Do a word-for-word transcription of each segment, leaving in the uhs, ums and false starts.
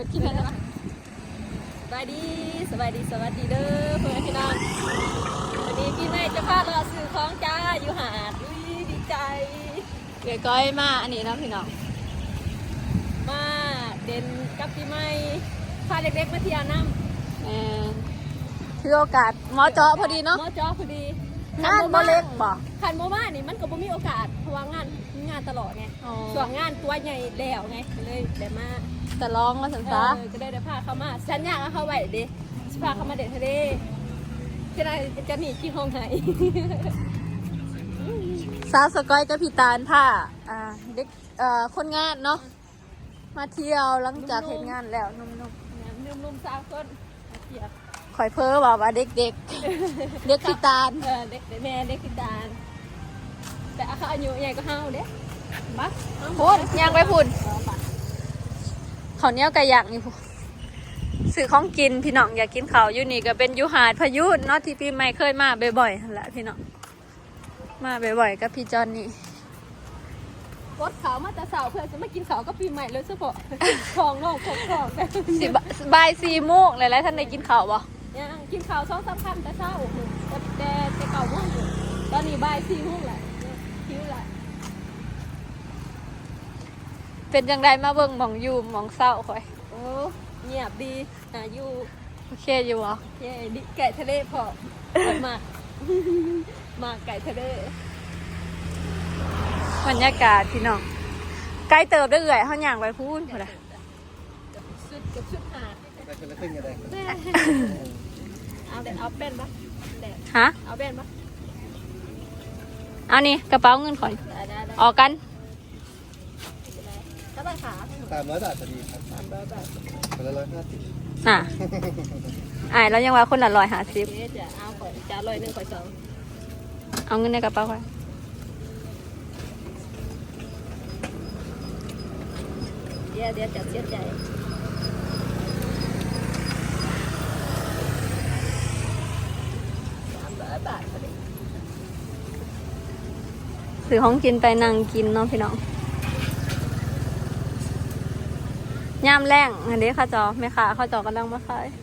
ดคลิปแล้วนะสบายดีสบายดีสวัสดีเด้อเพื่อนพี่น้องวันนี้พี่แม่จะพาเราซื้อของจ้าอยู่หาดอุ้ยดีใจเก๋ก้อยมาอันนี้นะพี่น้องมาเด่นกับพี่ไม่พาเด็กๆมาเที่ยวน้ำเออถือโอกาสหมอเจาะพอดีเนาะหมอเจาะพอดีงานโมเล็กบ่คันโมบ้านี่มันก็บ่มีโอกาสเพราะว่างานงานตลอดไงส่วนงานตัวใหญ่แล้วไงเลยได้มาแต่ลองมาสันซะก็ได้ได้พาเขามาฉันอยากให้เขาไหวดิพาเขามาเด็ดทะเลจะได้จะหนีกี่ห้องไหนสาวสกอยกับพี่ตาลผ้าอ่าเด็กเอ่อคนงานเนาะมาเที่ยวหลังจากเห็นงานแล้วนุ่มๆนุ่มๆสาวคนมาเที่ยวคอยเพ้อบอกว่าเด็กๆ เด็กเด็กพี่ตาลเออเด็กแม่เด็กพี่ตาลแต่เขาอายุใหญ่ก็เฮาเด้บัสพูดยังไปพูดเขาเนี้ยกระยักนี่พูซื้อของกินพี่น้องอยากกินเขาอยู่นี่ก็เป็นยูหาดพายุเนาะที่พี่ไม่เคยมาบ่อยๆแหละพี่น้องมาบ่อยๆกับพี่จอนนี่รถเขามาแต่เสาเพื่อจะมากินเขาก็ปีใหม่เลยเฉพาะของนอกของของสิบายสี่โมงเลยแล้วท่านได้กินเขาบ่ยังกินเขาสองสามคำแต่เช้าแต่แต่แต่เก่าโมงอยู่ตอนนี้บายสี่โมงแหละคิ้วแหละเป็นจังไดมาเบิ่งหมองอยู่หมองเศร้าคอยโอ้เงียบดีอ่ะอยู่โอเคอยู่เหรอโอเคดิไก่ทะเลพอมามาไก่ทะเลบรรยากาศพี่น้องใกล้เติบได้เอื่อยเขาอย่างไปพูดหมดเลยชุดกับชุดหาดไปคนละครึ่งกันเลยเอาเด็ดเอาเป็นปะฮะเอาเป็นปะเอานี่กระเป๋าเงินขอยออกกันก็ราคาสามร้อยบาทพอดีครับสามร้อยบาทคนละร้อยห้าสิบอ่ะอ่าแล้วยังว่าคนละร้อยห้าสิบจะเอาขอยจะร้อยหนึ่งขอยสองเอาเงินในกระเป๋าขอยเดี๋ยวเดี๋ยวจะเสียใจสามร้อยบาทพอดีซื้อของกินไปนั่งกินเนาะพี่น้องย่ามแรงอันนี้ข้าจอไม่ขาข้าจอกำลังมาขาย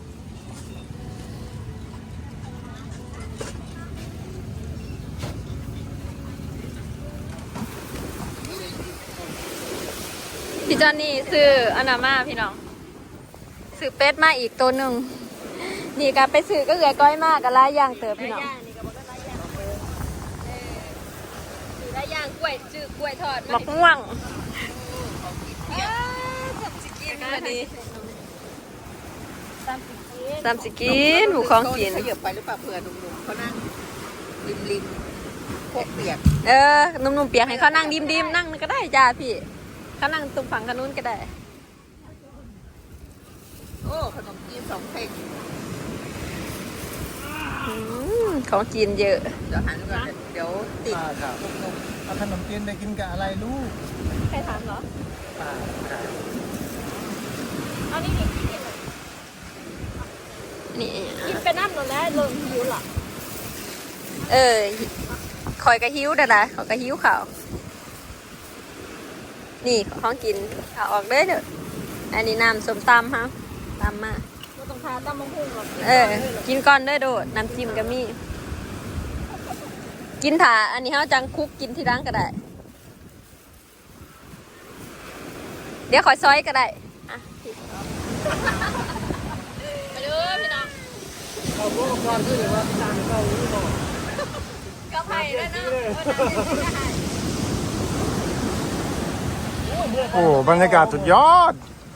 พี่จอนนี่ซื้ออนามาพี่น้องซื้อเป็ดมาอีกตัวหนึ่งนี่ก็ไปซื้อก็เหลือก้อยมากกับลายย่างเติบพี่น้องซื้อลายย่างกล้วยซื้อกล้วยทอดมะม่วงทำสิกินมาดีทำสิกินหมูของกินขยับไปหรือเปล่าเผื่อหนุ่มๆเขานั่งริมริมพวกเปียกเออหนุ่มๆเปียกให้เขานั่งดิมๆนั่งก็ได้จ้าพี่เขานั่งตรงฝั่งกันนู้นก็ได้โอ้ขนมจีนสองเพลงของกินเยอะเดี๋ยวหันก่อนเดี๋ยวติดหนุ่มๆเอาขนมจีนไปกินกับอะไรลูกใครถามเหรอป้าครับเอานี่นี่กินนี่กินไปน้ำหนูแล้วเริ่มหิวหรอเออคอยกระหิวเด้อนะคอยกระหิวข่าวนี่ของกินเอาออกเด้อเด้ออันนี้น้ำส้มตำฮะตำมาก็ต้องทาตำมะฮุ่งหรอกเออกินก่อนเด้อโดดน้ำจิ้มก็มีกินถาอันนี้เขาจังคุกกินที่ร้านก็ได้เดี๋ยวขอซอยก็ได้อ่ะไปดูพี่น้องเขาพูดก่อนคือว่าจานเขาลูกบอกกระไผ่ด้วยนะโอ้บรรยากาศสุดยอด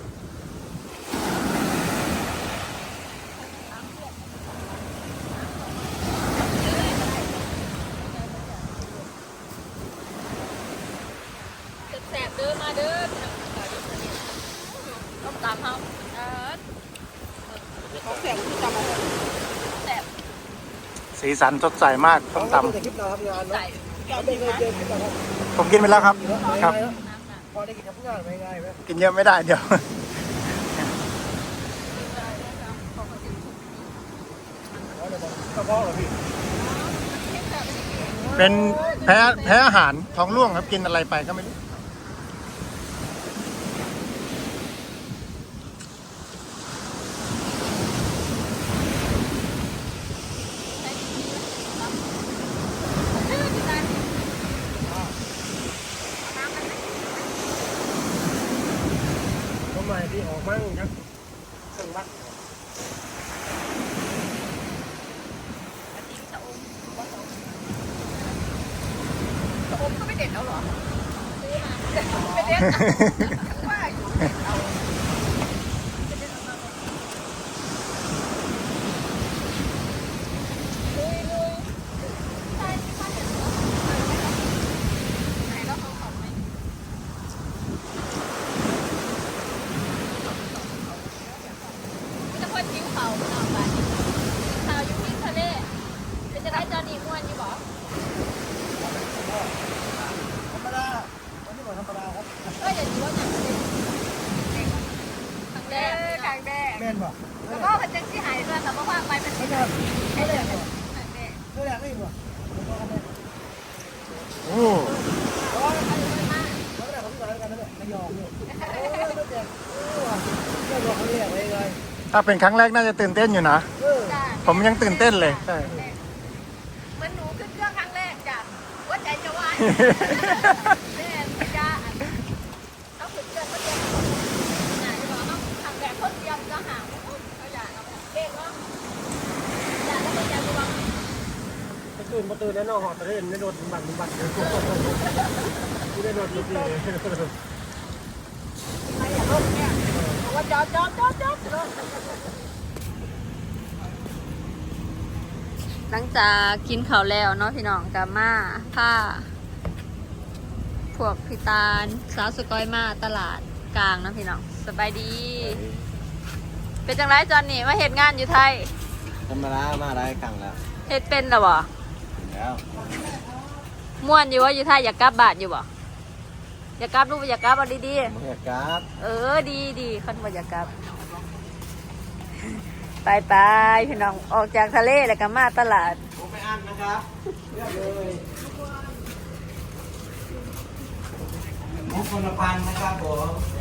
แสบเด้อมาเด้อต้องตามเขาเออเขาแสบที่จำมาแสบสีสันสดใสมากต้มตำใส่ผมกินไปแล้วครับครับพอได้กินกับผู้งานไม่ง่ายไหมกินเยอะไม่ได้เดี๋ยวกระเพาะเหรอพี่เป็นแพ้แพ้อาหารท้องร่วงครับกินอะไรไปก็ไม่รู้ม่ที่ออกมั่งครับเครื่องวัดผมก็ไม่เด็ดเอาหรอซื้อมาไม่เด็ดว่าอยู่เด็ดเอาลุยลุยใช่ที่ข้าเห็นเหรอไหนแล้วเขาขอบไหมจะพ่นจิ้วเขาเอาไปข่าวอยู่ที่ทะเลจะได้จอดีม้วนอยู่บ่ธรรมดาวันนี้บอกธรรมดาครับก็อย่าดูว่าอย่างนี้ขังแดงขังแดงแม่นบอกแล้วก็พันจังที่หายด้วยแต่ว่าว่างไปเป็นไม่ใช่ไม่แรกบอกขังแดงไม่แรกไม่บอกโอ้ไม่แรกผมก็แล้วกันนั่นแหละไม่ยอมเนี่ยโอ้ยไม่แรกโอ้ยไม่บอกเขาเรียกเลยเลยถ้าเป็นครั้งแรกน่าจะตื่นเต้นอยู่นะเออผมยังตื่นเต้นเลยใช่เหมือนหนูขึ้นเครื่องครั้งแรกจ้ะว่าใจจะวายแม่ไม่กล้าต้องขึ้นเครื่องก็เตรียมไหนจะบอกต้องขังแดงคนเตรียมจะหาเขาอยากเอาเก่งเนาะอยากแล้วก็อยากจะบอกไปตื่นมาตื่นแล้วนอนหอดตะเล่นไม่โดนบันบันเลยไม่ได้โดนจริงใครอยากลงเนี่ยบอกว่าจอดจอดจอดจอดจอดหลังจากกินข้าวแล้วเนาะพี่น้องกับมาผ้าพวกพี่ตาลสาวสกอยมาตลาดกลางเนาะพี่น้องสบายดี เป็นจังไรจอนนี่มาเห็นงานอยู่ไทยธรรมดามาได้ครั้งแล้วเฮ็ดเป็นหรอบ่แล้วม่วนอยู่ว่าอยู่ไทยอยากกลับบ้านอยู่บ่อยากกลับลูกบ่อยากกลับเอาดีเมื่อกราฟๆเออดีดีคันบ่อยากกลับไปไปพี่น้องออกจากทะเลแล้วก็มาตลาดผมไปอ่านนะครับเลือกเลยมุกคนละพันนะครับผม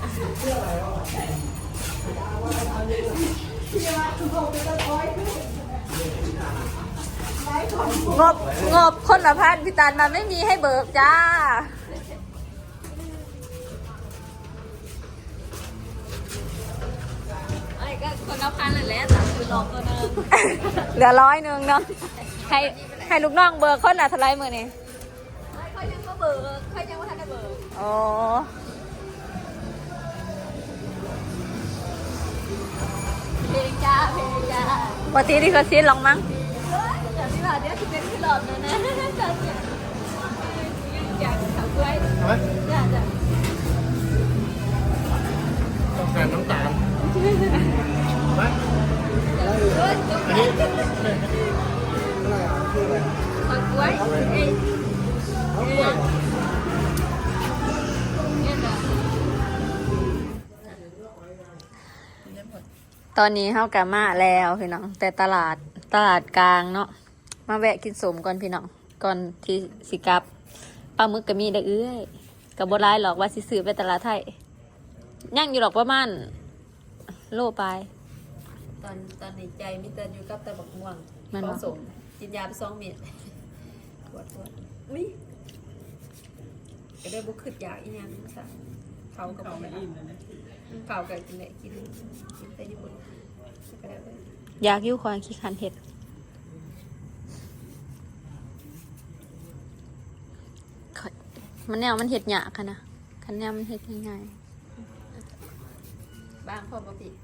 งบงบคนละพันพี่ตาลมันไม่มีให้เบิกจ้าไอ้ก็คนละพันเลยแหละแต่คือหลอกตัวนึงเหลือร้อยหนึ่งเนาะให้ให้ลูกน้องเบิกคนละเท่าไรมือนี่เขายังก็เบิกเขายังว่าทันได้เบิกโอ้เพลงจ้าเพลงจ้าปกติที่เขาซีลองมั้งแต่ที่ว่าเดี๋ยวจะเป็นที่หลอกนะนะจ้าจ้าอยากทำด้วยไหมอยากจะต้องการน้ำตาลไหมด้วยอันนี้อะไรอ่ะคืออะไรขอด้วยเอ้ยเอากล้วยเนี่ยนะตอนนี้เฮากะมาแล้วพี่น้อง แต่ตลาดตลาดกลางเนาะมาแวะกินสมก่อนพี่น้องก่อนที่สิกลับปลาหมึกก็มีได้เอื้อยกับบ่ร้ายหรอกว่าสิซื้อไปตลาดไทยย่างอยู่หรอกประมาณโลไปตอนตอนในใจมิเตอร์อยู่กับตะบักม่วงมันผวะสมกินยาไปสองเม็ดปวดปวดอุ้ยก็ได้บุกขึ้นอยากอีกอย่างนึงค่ะเขากับเขาเขากับกินไหนกินกินแต่ญี่ปุ่นก็ได้เลยอยากอยู่ความขี้คันเห็ดข้อยมันแนวมันเห็ดหยาค่ะนะคันแนวมันเห็ดง่ายบ้างพ่อปกติ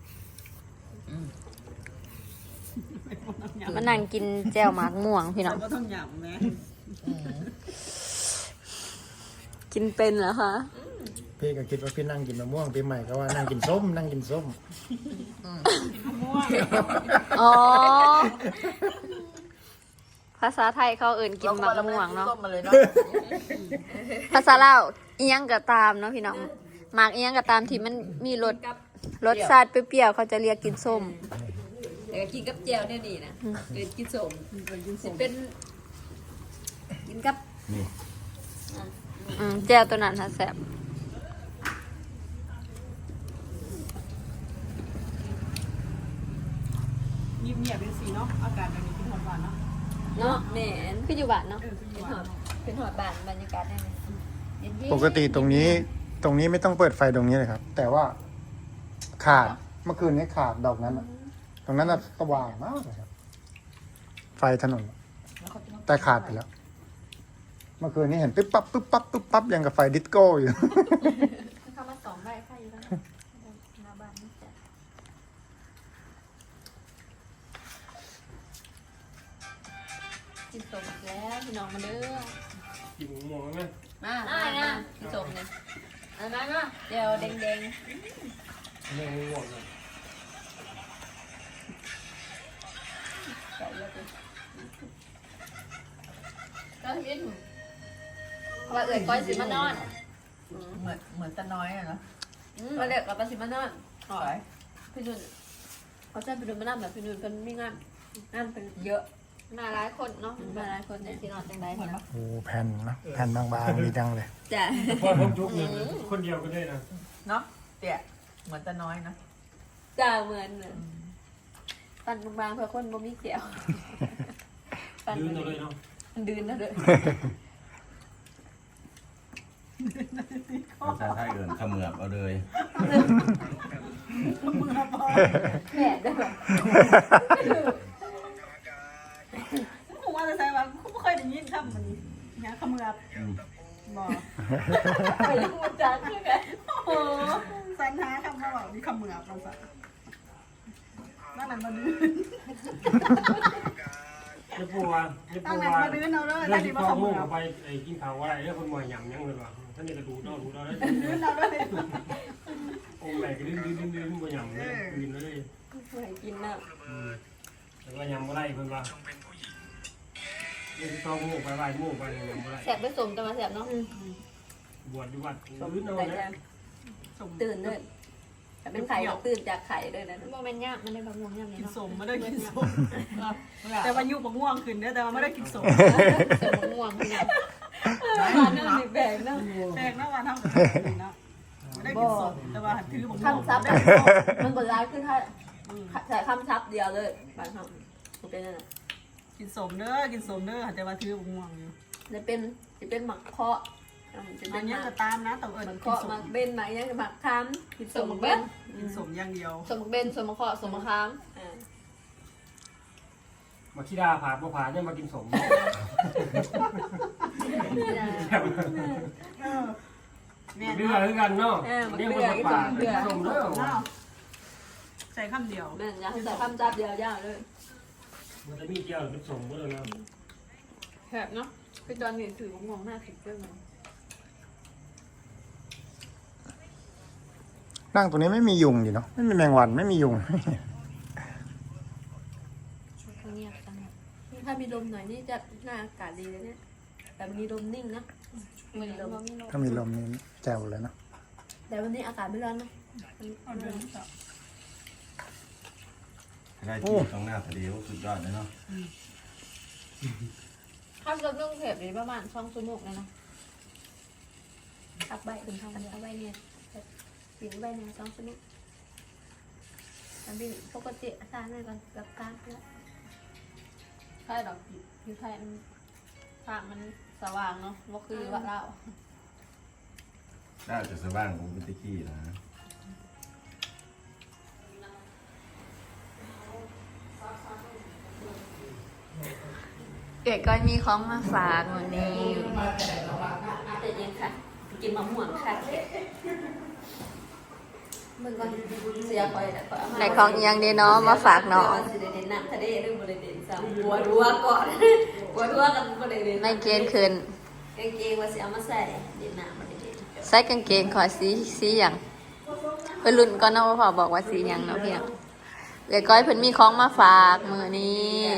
ๆมันนั่งกินแจ่วหมากม่วงพี่น้องก็ต้องหยำนะกินเป็นเหรอคะพี่ก็คิดว่าพี่นั่งกินมะม่วงพี่ใหม่ก็ว่านั่งกินส้มนั่งกินส้มอ๋อ ภาษาไทยเขาเอื่นกินหมากม่วงเนาะต้มมาเลยเนาะภาษาลาวอีหยังก็ตามเนาะพี่น้องหมากอีหยังก็ตามที่มันมีรสรสชาติเปรี้ยวๆเขาจะเรียกกินส้มแต่ก็กินกับแจวเนี่ยนี่นะเกินกินสมสิเป็นกินกับอืมแจ่วตัวนั้นฮะแซ่บเงียบๆเป็นสีเนาะ อากาศแบบนี้กินหอมหวานเนาะเนาะแหมนคืออยู่บ้านเนาะเป็นหอดเป็นหอดบ้านบรรยากาศได้ไหมเย็นๆปกติตรงนี้ตรงนี้ไม่ต้องเปิดไฟตรงนี้เลยครับ แต่ว่าขาดเมื่อคืนนี้ขาดดอกนั้นอะตรงนั้นน่ะสว่างมากเลยครับ ไฟถนน แต่ขาดไปแล้ว เมื่อคืนนี้เห็นปึ๊บปั๊บปึ๊บปั๊บปึ๊บปั๊บยังกับไฟดิสโก้อยู่เข้ามาสองใบไฟอยู่แล้วหน้าบ้านนี่จ้ะกินสมแล้วพี่น้องมาเด้อกินหมูหมองไหมมามามากินสมเลยอันนั้นนะเดี๋ยวแดงหมูหมองเลยๆใส่เยอะไปก็พี่หนูเพราะว่าเอื่อยก้อยสิมานอนเหมือนเหมือนตะน้อยอะเนาะอืมมาเด็กกับปลาสิมานอนหอยพี่นุ่นเขาจะไปดูมานั่งแบบพี่นุ่นเป็นมีงานงานเป็นเยอะมาหลายคนเนาะมาหลายคนเนี่ยที่นอนจังไดเหมือนเนาะปะโอ้แผ่นเนอะแผ่นบางๆดีจังเลยจ้ะพ่อผมทุกเนี่ยคนเดียวก็ได้นะเนาะเตี่ยเหมือนตะน้อยนะจ้ะเหมือนเหมือนฟันบางๆเพื่อคนบ่มีเขียวฟันดื้อตัวเลยเนาะมันดืนนะเด้อภาษาไทยเอินเขมือบเอาเลยแม่เด้อผมว่าจะใส่ว่าผมไม่เคยได้ยินคำมันนี้เนี่ยขมือบอืมบอกไปพูดจังคือกันโอ้โหสันหาคำมาบอกนี่ขมือบเราสักนั่นนั่นมาดื้อจะปูว่าจะตั้ปูงนั้นว่ามาดื้อเอาเลยเรื่อตั้งงที่นี้มาพ่อขมุ่มืงอเอาบไปไอ้กินข้าวอะไรเนี่ยคนหมอยหยำยังเลยว่ะท่านนี่กระดูดเอาดูดเอาได้ดื้อเอาเลยองค์ไหนก็ดื้อดื้อดื้อดื้อบ่หยำเลยกินเลยให้กินน่ะแต่ว่ายำบ่ได้เพิ่นว่าเรื่องที่ต้องมู่ไปไหว้มู่ไปยำบ่ได้แสบไปสมจะมาแสบเนาะบวชอยู่วัดดื้อเอาแต่เลยจะตื่นเลยแต่เป็นไข่ก็ตื่นจากไข่เลยนะโมเมนต์ยากมันได้บางม่วงยากกิเนี่ยนเนาะสมไม่ได้กินสมแต่ว่ายุบง่วงขึ้นเนี่ยแต่ว่าไม่ได้กินสมเสมม่วงเนี่ยมาเนื่องแบ่งเนาะแปลกนะวันทำกับกินนะไม่ได้กินสมแต่ว่าถือผมคำซับมันบนร้ายขึ้นถ้าใส่คำซับเดียวเลยบางคำมันเป็นอะไรกินสมเด้อกินสมเด้อแต่ว่าถือผมง่วงอยู่จะเป็นจะเป็นหมักเคาะจะอัเป็น นนี้หมัจะกตามนะแต่เอิญหมักกินเคาะสหมัมกเบนหมักยังหมักคำกินสมหมักเบนกินสมอย่างเดียวสมหมักเบนสมหมักเคาะสมหมักคำอ่ามาขี้ดาผ่าบ่ผ่าเนี่ยมากินสมแม่เรือคือกันเนาะเนี่ยมันมาผ่าสมเนาะใส่คำเดียวแม่อยากใส่คำซับเดียวยาวเลยมันจะมีเกี่ยวเป็นสมก็เลยนะแหบเนาะเป็นตอนนี้ถือของมองหน้าผิดเรื่องมันนั่งตรงนี้ไม่มียุงอยู่เนาะไม่มีแมงวันไม่มียุงเงียบจังถ้ามีลมหน่อยนี่จะหน้าอากาศดีเลยเนี่ยแต่มีลมนิ่งนะมีลมถ้ามีลมนี่แจ๋วเลยเนาะแต่วันนี้อากาศไม่ร้อนนะเอาเดินต่อได้ที่ตรงหน้าทะเลสุดยอดเลยเนาะถ้าเรานึ่งเผ็ดนี่ประมาณช่องชั่วโมงเลยนะทับใบถึงทางทับใบเนี่ยถึงใบเนี่ยสองชั่วโมงอันนี้ปกติสร้างเลยก่อนกับการแล้วใช่ดอกอยู่ไทยมันทางมันสว่างเนาะว่าคือว่าเราน่าจะสว่างผมเป็นตะกี้นะเก๋ก็มีของมาฝากวันนี้แต่ยังค่ะกินมะม่วงค่ะมึงก่อนเสียคอยแต่คอยเอามาในของอีหยังดีเนาะมาฝากน้องสิได้เด่นน้ำทะเลหรือบริเด่นซ้ำหัวรัวก่อนหัวรัวกันบริเด่นไม่เกณฑ์คืนกางเกงว่าสิเอามาใส่เด่นน้ำบริเด่นใส่กางเกงขอสีสีหยังเพิ่นรุ่นก่อนเนาะว่าพ่อบอกว่าสีหยังเนาะพี่น้องเก๋ก้อยเพิ่นมีของมาฝากมื้อนี้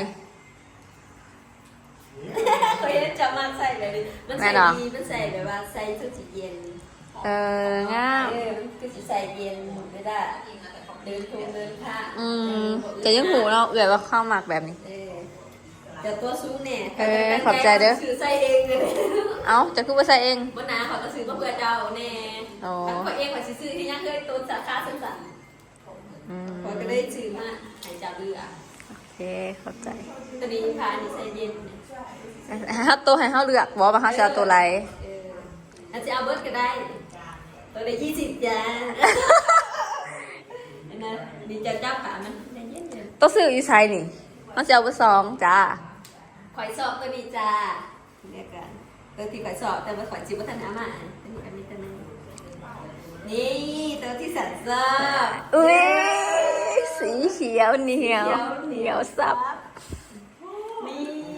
เคยจะมาใส่แบบนี้มันใส่ดีมันใส่แบบว่าใส่ชุดสีเย็นเอองามเออมันคือสีใส่เย็นไม่ได้เดินทงเดินผ้าอืมจะยังหูเนาะเอ๋ว่าเข้าหมักแบบนี้เออแต่ตัวสูงเนี่ยเออขอบใจเด้อซื้อใส่เองเลยเอ้าจะคือว่าใส่เองบนน้าเขาก็ซื้อมาเพื่อเจ้าแน่อ๋อทั้งเขาเองว่าซื้อที่ยังเคยตัวสาขาสั้นอืมๆเขาก็ได้ซื้อมาให้เจ้าเลือกโอเคเข้าใจตัวนี้พานี่ใส่เย็นเฮาตัวให้เฮาเลือกบ่ว่าเฮาจะเอาตัวไหนเอออาจจะเอาเบิร์ดก็ได้ ตัวละยี่สิบจ้าดีใจจ้าขามันใจเย็นเย็นต้องซื้ออยู่ไซนี่ต้องจะเอาไปสองจ้าข่อยสอบตัวนี้จ้าเรียกกันตัวที่ข่อยสอบแต่ว่าข่อยจิบวัฒนามาอันนี้อันนี้ตัวนึงนี่ตัวที่สันซ่าอุ้ยสีเขียวเหนียวเหนียวสับนี่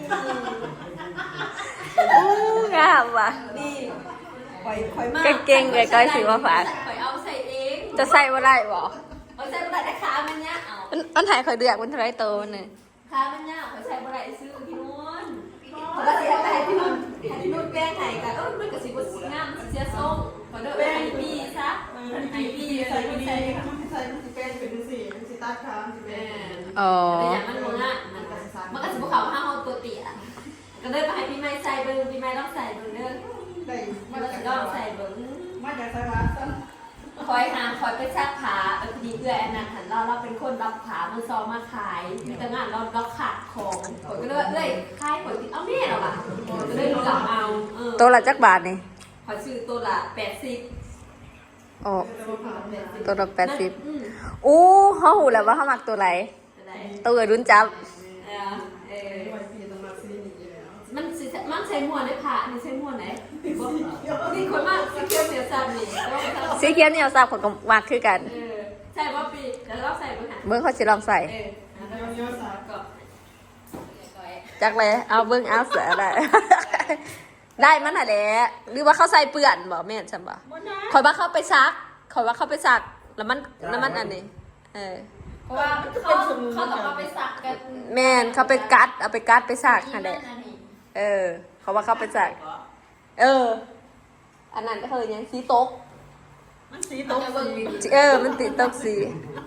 อู้งามว่ะนี่ข่อยข่อยมากเก่งๆเลยก้อยสิมาฝากข่อยเอาใส่เองจะใส่ว่าไรบ่เอาใส่บ่ได้แต่ขามันเนี่ยเอามันมันถ่ายคอยเดือกมันเท่าไรโตมันเนี่ยขามันเนี่ยข่อยใส่บ่ได้ซื้อพี่นุ่นข่อยก็เสียไปให้พี่นุ่นให้พี่นุ่นแป้งให้กันเออมันก็สิบ่งามสิเสียทรงข่อยเด้อแป้งให้พี่ซะให้พี่ใส่พี่ใส่มันใส่มันสิเป็นเป็นสีมันสิตัดขามันสิเป็แม่นอ๋อแต่อย่างมันบ่งามมันก็มันก็สิบ่เข้าห้าเฮาตัวเตี้ยก็เลยมาให้พี่ไม้ใส่เบิ่งพี่ไม้ลองใส่เบิ่งเด้อได้มัมานก็จากสิลองใส่เบิ่งมาจากสวัสดิ์คอยหาคอยไปซักขาเออพอดีเพื่อนอันนั้นหันเราเราเป็นคนรับขามือซอมาขายมีแต่งานเราเราขาดของคอยก็เลยว่าเอ้ยขายคอยติดเอาแม่เราอ่ะก็เลยรู้หลังเอาเออโตละจักบาทนี่คอยซื้อตัวละแปดสิบอ๋อตัวละตัวละแปดสิบอืมอู้เขาหูแล้วว่าเขามักตัวไหนอะไรตัวรุ่นจับเออเออวันปีต้องมาซื้อนี่อยู่แล้วมันสิมันใช้ม้วนได้ผ่านี่ใช้ม้วนไหนนี่คนมากสีเขียวเสียสันนี่ต้องไปทำสีเขียวเหนียวสับของก็มักคือกันเออใส่ว่าปีแล้วเราใส่เบื้องหลังเบิ้งเขาสิลองใส่เออแล้วก็เยอะสาก็จักเลยเอาเบิ้งเอาเสือได้ ได้มันน่ะแหละหรือว่าเขาใส่เปื่อนบ่แม่นฉันบ่คอยว่าเขาไปซักคอยว่าเขาไปซักแล้วมันแล้วมันอันนี้เออเพราะว่าเขาเขาต้องเอาไปสักกันแม่นเขาไปกัดเอาไปกัดไปซักนั่นแหละเออ เขาว่าเขาไปซักเออ อันนั้นก็คือยังสีตกมันสีต้ตองกจะเบิ่งเออ มันติดตกสี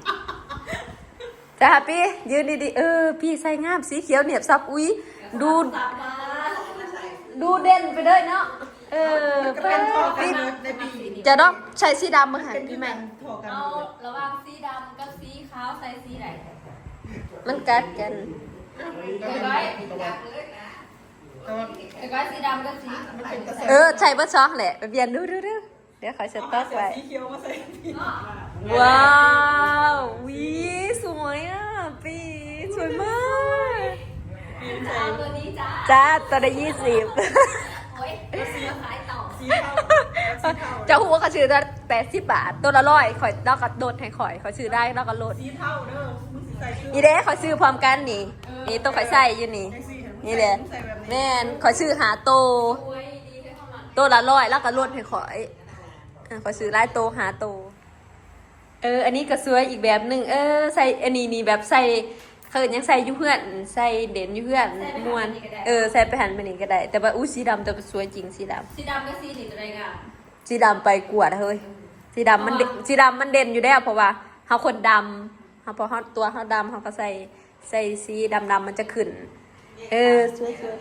จ้าพี่ยืนดีๆเออ พี่ใส่งามสีเขียวเหนียบซับอุ้ยดูสับมาดูเด่นไปเลยเนาะเออก็เป็นทอกันพี่ในปีจะต้องใช้สีดำมาหันเป็นพี่พี่แม่แม่ทอกันเอาระหว่างสีดำกับสีขาวใส่สีไหนมันกัดกันเดี๋ยวก้อยเดี๋ยวก้อยสีดำกับสีเออใช้เบอร์ช็อกแหละไปเปลี่ยนดูดูดูเดี๋ยวขอเช็ดต๊อกไว้สีเขียวมาใส่พี่ว้าววิสวยอ่ะปีสวยมากจะเอาตัวนี้จ้าจ้าตัวละยี่สิบโอ้ยเราซื้อมาขายต่อสีเทาสีเทาเจ้าหัวเขาชื่อตัวแปดสิบบาทตัวละร้อยข่อยแล้วก็โดดให้ข่อยเขาชื่อได้แล้วก็โหลดสีเทาเด้อมึงสิใส่ชุดอีเด้ขอซื้อพร้อมกันนี่นี่ตัวข่อยใส่อยู่นี่จังซี่เห็นมึงนี่แหละใส่แบบนี้แม่นขอซื้อหาโตโอ้ยดีให้เข้ามาตัวละร้อยแล้วก็ลดให้ข่อยอ่ะขอซื้อหลายโตหาโต เออ อันนี้ก็สวยอีกแบบหนึ่งเออใส่อันนี้นี่แบบใส่เขาเอิ้นยังใส่อยู่เพื่อนใส่เด่นอยู่เพื่อนม่วนเออใส่ไปหันไปนี่ก็ได้ แต่ว่าอู้สีดำแต่ว่าสวยจริงสีดำสีดำกับสีนี่ตัวไหนกันสีดำไปกวดเฮ้ยสีดำมันเด่นสีดำมันเด่นอยู่แล้วเพราะว่าเขาคนดำเขาพอเขาตัวเขาดำเขาก็ใส่ใส่สีดำดำมันจะขึ้น เออสวยสวย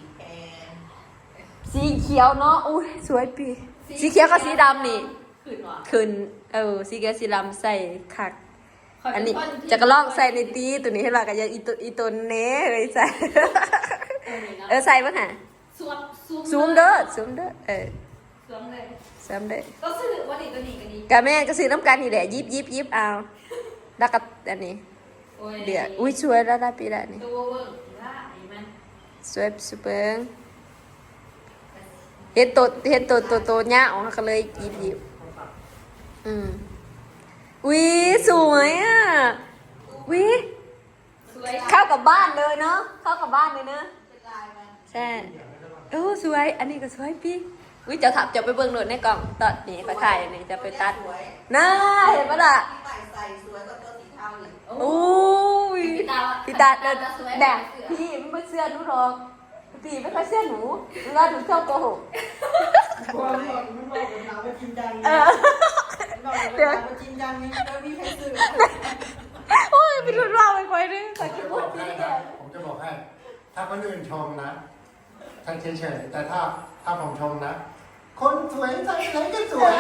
สีเขียวเนาะอุ้ยสวยปีสีเขียวกับสีดำนี่ขึ้นวะขึ้นเออสีเขียวสีดำใส่คักอันนี้จะกระลอกใส่ในตีตัวนี้ให้เรากันยังอีตัวอีตัวเน้เลยใส่ เออใส่ป่ะฮะสวมซูมเด้อซูมเด้อเออสวมเลยซูมเด้อก็ซื้อว่าดีก็ดีก็ดีกะแม่ก็ซื้อน้ำกันนี่แหละยิบยิบยิบเอาแล้วก็อันนี้โอ้ยเดี๋ยวอุ้ยสวยแล้วได้ปีละนี่ตัวเวิร์กว่าไอ้มันสวยสุดเปิงเห็นตัวเห็นตัวตัวตัวเนี้ยออกก็เลยยิบยิบอืมอุ้ยสวยอ่ะอุ้ยสวยเข้ากับบ้านเลยเนาะเข้ากับบ้านเลยเนาะใช่โอ้สวยอันนี้ก็สวยพี่อุ้ยจะถับจะไปเบิ่งโดดในกล่องตอนนี้ก็ถ่ายนี่จะไปตัดน่าเห็นปะล่ะใส่สวยกว่าตัวสีเทาอีกโอ้ยพี่ตาพี่ตาเดินแบบพี่ไม่เสื้อหนูหรอกพี่ไม่ค่อยเสื้อหนูเวลาหนูชอบโกหกความหลอนมันบอกกับเราว่าจริงจังเอนี่อเราบอกกับเราว่าจริงจังนี่แล้วมีใครซื้อโอ้ยพี่รุนเราไปไปเลยใส่ชุดผมบอกให้นะผมจะบอกให้ ถ้าคนอื่นชมนะฉันเฉยๆแต่ถ้าถ้าผมชมนะ คนสวยใส่ไหนก็สวย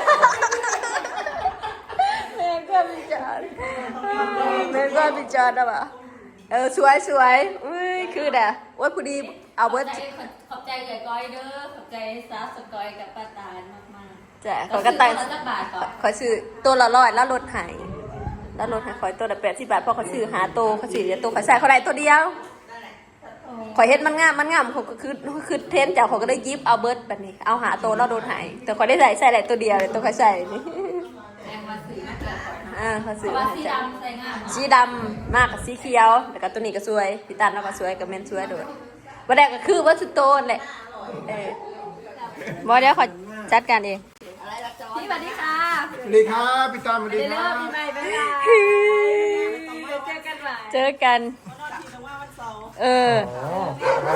แม่ก็พิจารณ์แม่ก็พิจารณ์นะบ่ะเออสวยสวยอุ้ยคือเด้อว่าพอดีเอาเบิร์ดขอบใจใหญ่ก้อยเด้อขอบใจซาสกอยกับป้าตาลมากจ้ะๆขอกระตังสักบาทก่อนขอซื้อตัวละร้อยแล้วลดใหายเแล้วรถให้ข่อยตัวละแปดสิบบาทเพราะเขาซื้อหาโตเขาซื้อเดียวโตเขาใส่เขาได้ตัวเดียวข่อยเฮ็ดมันงามมันงามเขาก็คือคือเทรนจากเขาก็ได้ยิบเอาเบิร์ดแบบนี้เอาหาโตแล้วโดนหายแต่ข่อยได้ใส่ใส่ได้ตัวเดียวเลยตัวเขาใส่นี่อ่าเขาซื้อมาให้จ้ะสีดำมากกับสีเขียวแล้วก็ตัวนี้ก็สวยพี่ตันแล้วก็สวยกับเมนสวยด้วยวันแรกก็คือว่าสุดโตนแหละเออบอเดี๋ยวขอจัดการเองพี่สวัสดีค่ะสวัสดีครับพี่ตามสวัสดีครับปีใหม่ไปค่ะเจอกันใหม่เจอกัน เอออ๋อ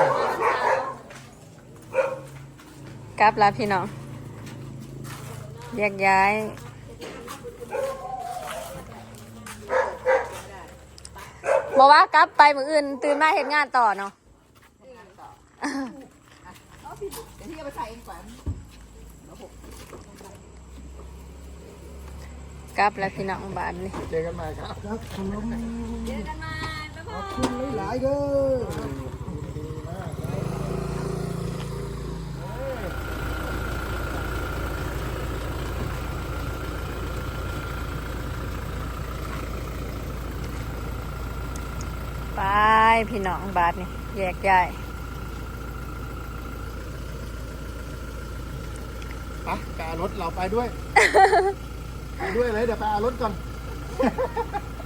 กลับแล้วพี่น้องแยกย้ายบอกว่ากลับไปมืออื่นตื่นมาเห็นงานต่อเนาะเดี๋ยวพี่เอาไปใส่เองก่อนกลับแล้วพี่น้องบ้านนี่เจอกันใหม่ครับครับขนมเจอกันใหม่บ๊ายบายคุณหลายๆเด้อไปพี่น้องบ้านนี่แยกย้ายไปไปเอารถเราไปด้วย ไปด้วยเลยเดี๋ยวไปเอารถก่อน